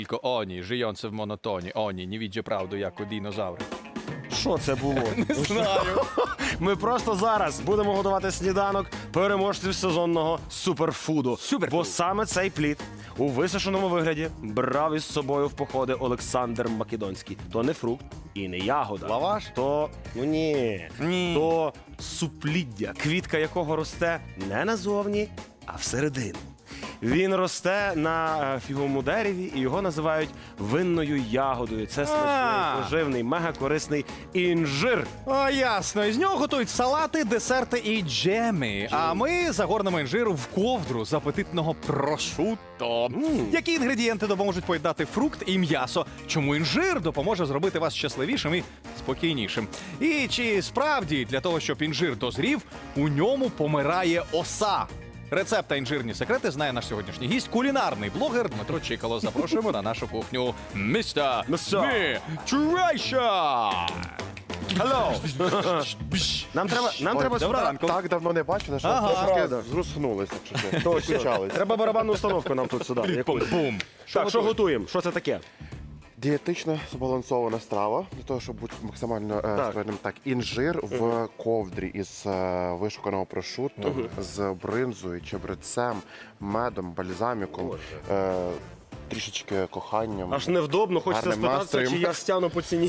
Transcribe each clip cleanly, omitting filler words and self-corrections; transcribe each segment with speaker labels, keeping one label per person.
Speaker 1: Tylko oni, żyjący w monotonii, oni nie widzą prawду, як у динозаври.
Speaker 2: Що це було?
Speaker 1: Не знаю.
Speaker 2: Ми просто зараз будемо готувати сніданок переможців сезонного суперфуду. Бо саме цей плід у висушеному вигляді брав із собою в походи Олександр Македонський. То не фрукт і не ягода.
Speaker 1: Лаваш?
Speaker 2: То, ну ні,
Speaker 1: Ні.
Speaker 2: то супліддя, квітка якого росте не назовні, а всередину. Він росте на фіговому дереві і його називають винною ягодою. Це смачний, поживний, мегакорисний інжир.
Speaker 1: О, ясно. Із нього готують салати, десерти і джеми. А ми загорнемо інжиру в ковдру з апетитного прошутто. Які інгредієнти допоможуть поєднати фрукт і м'ясо? Чому інжир допоможе зробити вас щасливішим і спокійнішим? І чи справді для того, щоб інжир дозрів, у ньому помирає оса? Рецепт та інжирні секрети знає наш сьогоднішній гість, кулінарний блогер Дмитро Чикало. Запрошуємо на нашу кухню. Містер Nutrition! Hello!
Speaker 2: Нам треба сюди.
Speaker 3: Так давно не бачили, що трошки зруснулися.
Speaker 2: Треба барабанну установку нам тут сюди. якусь.
Speaker 1: Бум!
Speaker 2: Так, що готуємо? Що це таке?
Speaker 3: Дієтично збалансована страва, для того, щоб бути максимально скажімо так, інжир в ковдрі із вишуканого прошутто, з бринзою, чебрецем, медом, бальзаміком, трішечки коханням.
Speaker 2: Аж невдобно, хочеться
Speaker 3: Гарним
Speaker 2: спитатися, чи
Speaker 3: настроєм.
Speaker 2: я стягну по ціні.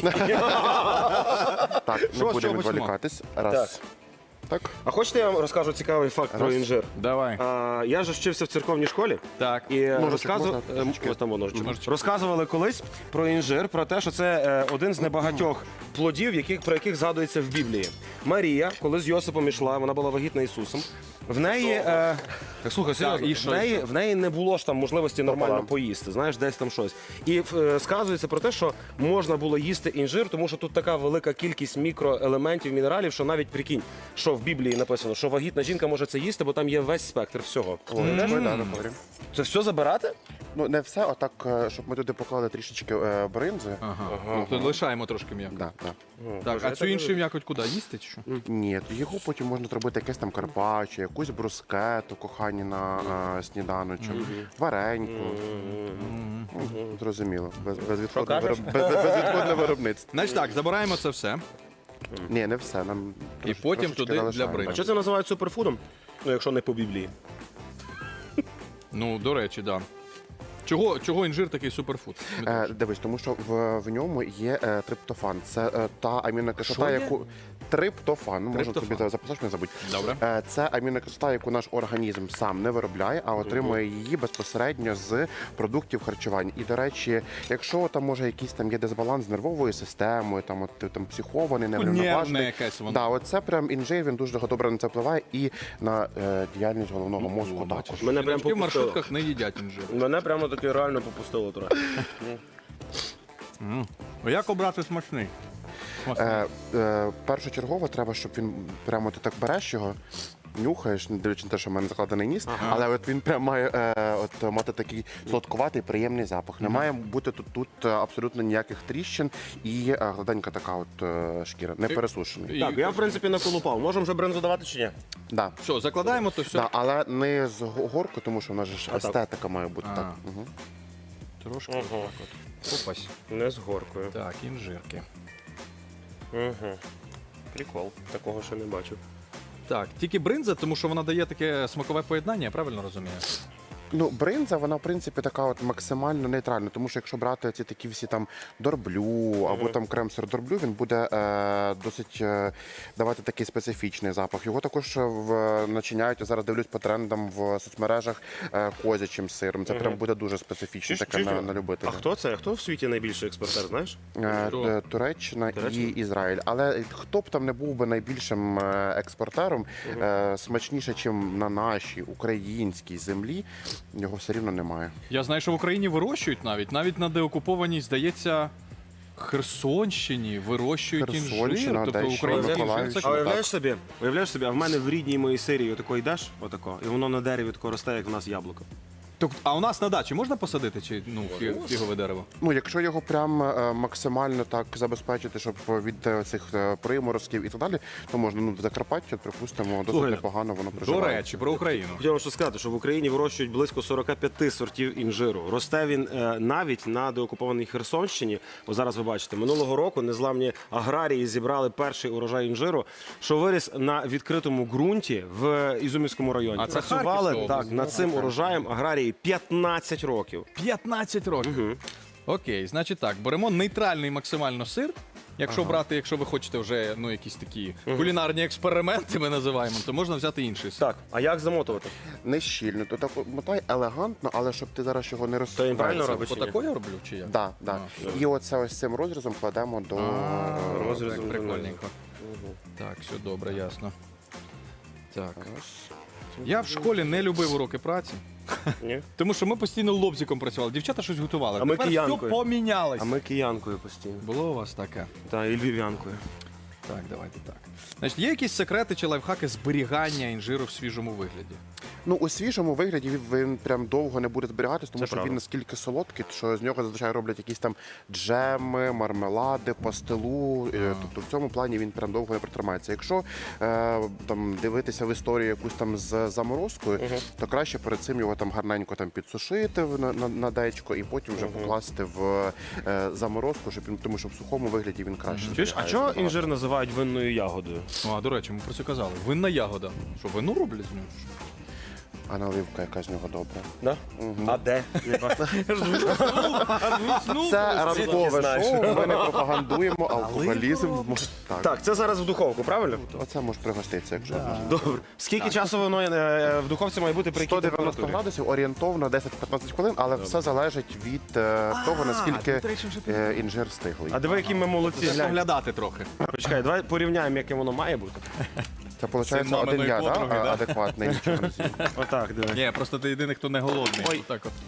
Speaker 3: Так,
Speaker 1: Що,
Speaker 3: не
Speaker 1: з чого
Speaker 3: будемо
Speaker 1: почнемо?
Speaker 3: відволікатись. Раз. Так.
Speaker 2: А хочете, я вам розкажу цікавий факт про
Speaker 3: Раз.
Speaker 2: інжир?
Speaker 1: Давай.
Speaker 2: Я ж вчився в церковній школі.
Speaker 1: Так.
Speaker 2: І
Speaker 3: Ножичок можна?
Speaker 2: ось там ножичок.
Speaker 1: Ножичок.
Speaker 2: Розказували колись про інжир, про те, що це один з небагатьох плодів, про яких згадується в Біблії. Марія, коли з Йосипом йшла, вона була вагітна Ісусом. В неї, слухай, серйозно,
Speaker 1: і що,
Speaker 2: в неї не було ж там можливості нормально поїсти, знаєш, десь там щось. І сказується про те, що можна було їсти інжир, тому що тут така велика кількість мікроелементів, мінералів, що навіть прикинь, що в Біблії написано, що вагітна жінка може це їсти, бо там є весь спектр всього. Це все забирати?
Speaker 3: Ну, не все, а так, щоб ми туди поклали трішечки бринзи.
Speaker 1: Ага. То лишаємо трошки м'яко.
Speaker 3: Да, да.
Speaker 1: Так, а цю іншу м'якоть куди? Їсти чи що?
Speaker 3: Ні, його потім можна зробити якесь там карпаччо, якусь брускету, кохані на сніданочок, вареньку. Зрозуміло, безвідходне виробництво.
Speaker 1: Значить так, забираємо це все.
Speaker 3: Ні, не все. Нам
Speaker 1: І потім
Speaker 3: трошечки
Speaker 1: туди для
Speaker 3: залишаємо.
Speaker 1: бринзи.
Speaker 2: А що це називають суперфудом? Ну, якщо не по Біблії.
Speaker 1: Ну, до речі, да. Чого інжир такий суперфуд?
Speaker 3: Дивись, тому що в ньому є триптофан. Це та амінокислота,
Speaker 1: Що є?
Speaker 3: яку триптофан, можна
Speaker 1: Триптофан.
Speaker 3: тобі записати, не забудь.
Speaker 1: Добре.
Speaker 3: Це амінокислота, яку наш організм сам не виробляє, а отримує її безпосередньо з продуктів харчування. І, до речі, якщо там може якийсь там є дисбаланс з нервовою системою, там от ти там психований,
Speaker 1: Нервне
Speaker 3: неврівноважений.
Speaker 1: якесь воно.
Speaker 3: Да, оце прям інжир, він дуже добре на це впливає і на діяльність головного мозку також.
Speaker 2: Мене прям
Speaker 1: Жіночки в
Speaker 2: попустило.
Speaker 1: маршрутках не їдять інжир.
Speaker 2: Мене прямо таки реально попустило трохи.
Speaker 1: Як обрати смачний?
Speaker 3: Першочергово треба, щоб він прямо ти так береш його, нюхаєш, не дивлячись на те, що в мене закладений ніс, але от він прям має мати такий солодкуватий, приємний запах. Не має бути тут абсолютно ніяких тріщин і гладенька така от шкіра, не пересушений.
Speaker 2: Так, я в принципі наколупав. Можемо вже бринзу давати чи ні?
Speaker 3: Да.
Speaker 1: Все, закладаємо, то все.
Speaker 3: Да, але не з горку, тому що в нас же ж естетика має бути так. Угу.
Speaker 1: Трошки так от. Опась.
Speaker 2: Не з горкою.
Speaker 1: Так, інжирки.
Speaker 2: Угу. Прикол. Такого ще не бачив.
Speaker 1: Так, тільки бринза, тому що вона дає таке смакове поєднання, я правильно розумію?
Speaker 3: Ну, бринза, вона, в принципі, така от максимально нейтральна, тому що якщо брати ці такі всі там дорблю або там крем-сир дорблю, він буде досить давати такий специфічний запах. Його також начиняють, я зараз дивлюсь по трендам в соцмережах козячим сиром. Це прям буде дуже специфічно таке на любителя.
Speaker 2: А хто це? Хто в світі найбільший експортер, знаєш?
Speaker 3: Туреччина і Ізраїль. Але хто б там не був би найбільшим експортером, смачніше, ніж на нашій українській землі, його все рівно немає.
Speaker 1: Я знаю, що в Україні вирощують навіть на деокупованій, здається, Херсонщині вирощують інжир.
Speaker 3: Херсонщина,
Speaker 1: Тобто
Speaker 3: де ще
Speaker 1: український інжир
Speaker 3: Миколаївщина.
Speaker 1: це
Speaker 2: А
Speaker 1: круто.
Speaker 2: уявляєш собі, а в мене в рідній моїй Сирії отако йдеш, отако, і воно на дереві тако росте, як в нас яблуко.
Speaker 1: А у нас на дачі можна посадити чи фігове дерево?
Speaker 3: Ну, якщо його прям максимально так забезпечити, щоб від цих приморозків і так далі, то можна, ну, в Закарпатті, припустимо, досить
Speaker 2: Слухай,
Speaker 3: непогано воно
Speaker 1: До
Speaker 3: проживає.
Speaker 1: речі, про Україну.
Speaker 2: Хотів вам що сказати, що в Україні вирощують близько 45 сортів інжиру. Росте він навіть на деокупованій Херсонщині. Бо зараз ви бачите, минулого року незламні аграрії зібрали перший урожай інжиру, що виріс на відкритому ґрунті в Ізюмівському районі.
Speaker 1: А це
Speaker 2: Працювали
Speaker 1: Харківська
Speaker 2: так над цим урожаєм аграрії 15 років.
Speaker 1: 15 років. Окей, значить так, беремо нейтральний максимально сир. Якщо брати, якщо ви хочете вже якісь такі кулінарні експерименти, ми називаємо, то можна взяти інший сир.
Speaker 2: Так, а як замотувати?
Speaker 3: Не щільно, то так мотай елегантно, але щоб ти зараз його не
Speaker 2: То він правильно
Speaker 3: розсипаєш.
Speaker 2: робить? чи ні?
Speaker 1: Отако я роблю чи як?
Speaker 3: Да, да. І оце ось цим розрізом кладемо до
Speaker 2: розрізом
Speaker 1: Так, прикольненько. Так, все добре, ясно. Так. Я в школі не любив уроки праці,
Speaker 2: Ні?
Speaker 1: тому що ми постійно лобзиком працювали. Дівчата щось готували.
Speaker 2: А ми
Speaker 1: Тепер все
Speaker 2: киянкою.
Speaker 1: помінялось.
Speaker 2: А ми киянкою постійно.
Speaker 1: Було у вас таке?
Speaker 2: Та і львів'янкою.
Speaker 1: Так, давайте так. Значить, є якісь секрети чи лайфхаки зберігання інжиру в свіжому вигляді?
Speaker 3: Ну, у свіжому вигляді він прям довго не буде зберігатись, тому
Speaker 2: Це
Speaker 3: що
Speaker 2: правда.
Speaker 3: він настільки солодкий, що з нього зазвичай роблять якісь там джеми, мармелади, пастилу. Тобто в цьому плані він прям довго не протримається. Якщо там дивитися в історію якусь там з заморозкою, то краще перед цим його там гарненько там підсушити на дечко і потім вже покласти в заморозку, щоб він, тому що в сухому вигляді він краще.
Speaker 2: Чуєш, а
Speaker 3: зберігається
Speaker 2: чого
Speaker 3: набагато.
Speaker 2: інжир називають винною ягодою?
Speaker 1: А, до речі, ми про це казали. Винна ягода. Що, вину роблять з нього?
Speaker 3: А наливка яка з нього добра.
Speaker 2: Да? А де?
Speaker 3: Це ранкове
Speaker 2: знаєш?
Speaker 3: шоу, ми не пропагандуємо алкоголізм.
Speaker 2: Так, це зараз в духовку, правильно?
Speaker 3: Оце може пригоститися, якщо можна.
Speaker 2: Добре. Скільки часу воно в духовці має бути при якій
Speaker 3: 190
Speaker 2: температурі?
Speaker 3: градусів, орієнтовно 10-15 хвилин, але все залежить від того, наскільки
Speaker 1: тут речі вже
Speaker 3: інжир стиглий.
Speaker 2: А диви, які ми молодці.
Speaker 1: Треба
Speaker 2: Глянь.
Speaker 1: поглядати трохи.
Speaker 2: Почекай, давай порівняємо, яке воно має бути.
Speaker 3: Це виходить
Speaker 1: Син
Speaker 3: один
Speaker 1: маминої
Speaker 3: я,
Speaker 1: подруги,
Speaker 3: да?
Speaker 1: да?
Speaker 3: Адекватний, нічого не з'їм.
Speaker 2: Отак, диви.
Speaker 1: Ні, просто ти єдиний, хто не голодний.
Speaker 2: Ой.
Speaker 1: Отак от.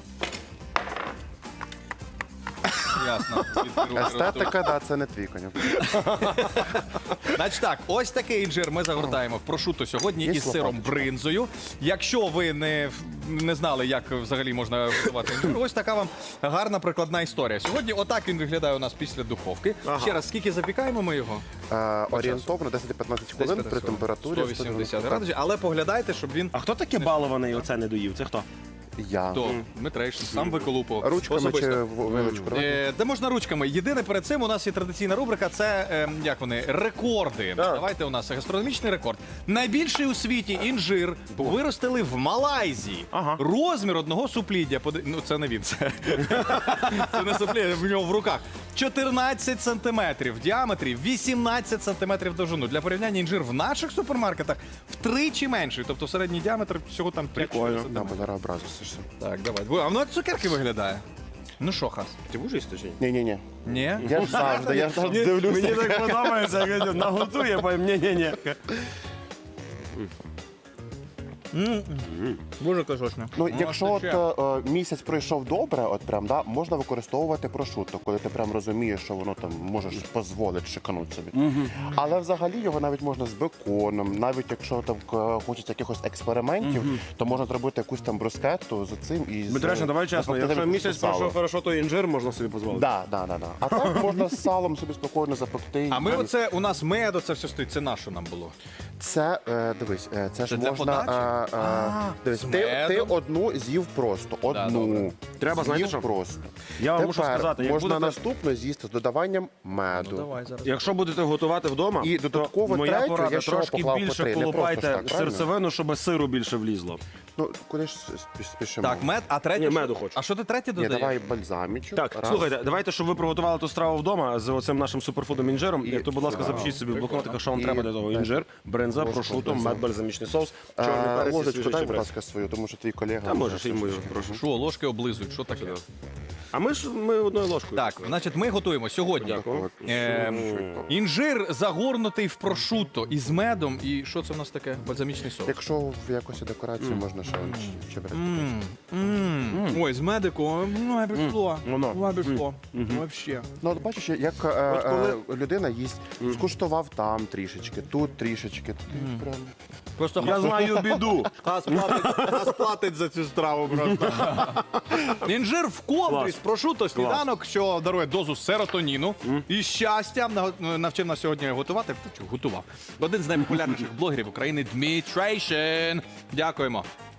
Speaker 1: Ясно. Звідки руки ростуть.
Speaker 3: Естетика, да, це не твій конюк.
Speaker 1: Значить так, ось такий інжир ми загортаємо в прошутто сьогодні
Speaker 3: Є
Speaker 1: із сиром
Speaker 3: лопаточка?
Speaker 1: бринзою. Якщо ви не знали, як взагалі можна готувати інжир, ось така вам гарна прикладна історія. Сьогодні отак він виглядає у нас після духовки.
Speaker 2: Ага.
Speaker 1: Ще раз, скільки запікаємо ми його?
Speaker 3: Орієнтовно 10-15 хвилин при температурі
Speaker 1: 180 градусів, але поглядайте, щоб він
Speaker 2: А хто таке балований оце не доїв? Це хто?
Speaker 3: Я.
Speaker 1: то Дмитрейшин сам виколупував.
Speaker 3: Ручками
Speaker 1: Особисто.
Speaker 3: чи вилочкою?
Speaker 1: Де можна ручками. Єдине перед цим у нас є традиційна рубрика. Це як вони рекорди.
Speaker 2: Да.
Speaker 1: Давайте у нас гастрономічний рекорд. Найбільший у світі інжир виростили в Малайзії.
Speaker 2: Ага.
Speaker 1: Розмір одного супліддя. Ну це не він. Це не супліддя, в нього в руках. 14 сантиметрів в діаметрі, 18 сантиметрів довжину. Для порівняння інжир в наших супермаркетах втричі менший. Тобто середній діаметр всього там 5
Speaker 2: Прикольно.
Speaker 3: Да, бо зараз образишся.
Speaker 1: Так, давай. А воно як цукерки виглядає. Ну що, Хас?
Speaker 2: Ти будеш їсти чи ні?
Speaker 3: Ні-ні-ні.
Speaker 1: Ні?
Speaker 3: Я ж завжди дивлюся.
Speaker 2: Мені так подобається, як наготує, потім ні-ні-ні.
Speaker 1: Дуже кашочне.
Speaker 3: Ну, якщо от місяць пройшов добре, от прям, да, можна використовувати прошутто, коли ти прям розумієш, що воно там можеш дозволити шикануть собі. Але взагалі його навіть можна з беконом, навіть якщо там хочеться якихось експериментів, то можна зробити якусь там брускетту з цим і з
Speaker 2: Дмитречна, давай чесно,
Speaker 3: запекти
Speaker 2: якщо
Speaker 3: навіть
Speaker 2: місяць
Speaker 3: сало.
Speaker 2: пройшов хорошо, то інжир можна собі дозволити.
Speaker 3: Да. А так можна з салом собі спокійно запекти.
Speaker 1: А ми
Speaker 3: І
Speaker 1: оце, у нас меду, це все стоїть, це наше нам було.
Speaker 3: Це, дивись, це ж
Speaker 1: для
Speaker 3: можна...
Speaker 1: подачі?
Speaker 3: Дивись,
Speaker 1: з
Speaker 3: ти
Speaker 1: медом?
Speaker 3: одну з'їв просто,
Speaker 1: добре.
Speaker 3: одну.
Speaker 2: Треба, знаєте,
Speaker 3: з'їв
Speaker 2: що?
Speaker 3: просто.
Speaker 2: Я вам мушу
Speaker 3: Тепер
Speaker 2: сказати, як
Speaker 3: можна
Speaker 2: будете-
Speaker 3: наступно з'їсти з додаванням меду.
Speaker 1: зараз.
Speaker 2: Якщо будете готувати вдома,
Speaker 3: І додатково
Speaker 2: то моя
Speaker 3: третю
Speaker 2: порада
Speaker 3: я ще
Speaker 2: трошки
Speaker 3: поклав по
Speaker 2: більше
Speaker 3: три, не просто
Speaker 2: колупайте
Speaker 3: ж так, правильно?
Speaker 2: серцевину, щоб сиру більше влізло.
Speaker 3: Ну, куди ж спішимо?
Speaker 1: Так, мед, а третє.
Speaker 2: Ні,
Speaker 1: що?
Speaker 2: меду хочу.
Speaker 1: А що ти третє
Speaker 3: Ні,
Speaker 1: додаєш?
Speaker 3: давай бальзамічок.
Speaker 2: Так,
Speaker 3: Раз.
Speaker 2: слухайте, давайте, щоб ви приготували ту страву вдома з оцим нашим суперфудом інжиром. І то, будь ласка, запишіть собі в блокнотиках, що вам
Speaker 3: І-
Speaker 2: треба для того. Інжир, бринза,
Speaker 3: Ложку
Speaker 2: прошуто,
Speaker 3: бринза.
Speaker 2: мед, бальзамічний соус, чорний перець і
Speaker 3: Ложечку
Speaker 2: свіжий
Speaker 3: дай, будь
Speaker 2: чебрець.
Speaker 3: ласка, свою, тому що твій колега...
Speaker 2: Та можеш, і мою, прошу.
Speaker 1: Що, ложки облизують, що таке?
Speaker 2: А ми одною ложкою.
Speaker 1: Так, значить, ми готуємо сьогодні.
Speaker 2: Дякую.
Speaker 1: Інжир загорнутий в прошутто із медом. І що це в нас таке? Бальзамічний соус.
Speaker 3: Якщо в якості декорації можна що чебрець.
Speaker 1: Ой, з медику, ну, пішло.
Speaker 2: Воно.
Speaker 1: Пішло. Вообще.
Speaker 3: Ну, от бачиш, як людина їсть, скуштував там трішечки, тут трішечки. Тут прям...
Speaker 1: Просто
Speaker 4: Я знаю біду. Хас платить за цю страву просто.
Speaker 1: інжир в ковдрі
Speaker 4: Клас.
Speaker 1: з прошуто сніданок, що дарує дозу серотоніну і щастя. Навчив нас сьогодні готувати. Готував. Один з найпопулярніших блогерів України Дмитрейшин. Дякуємо.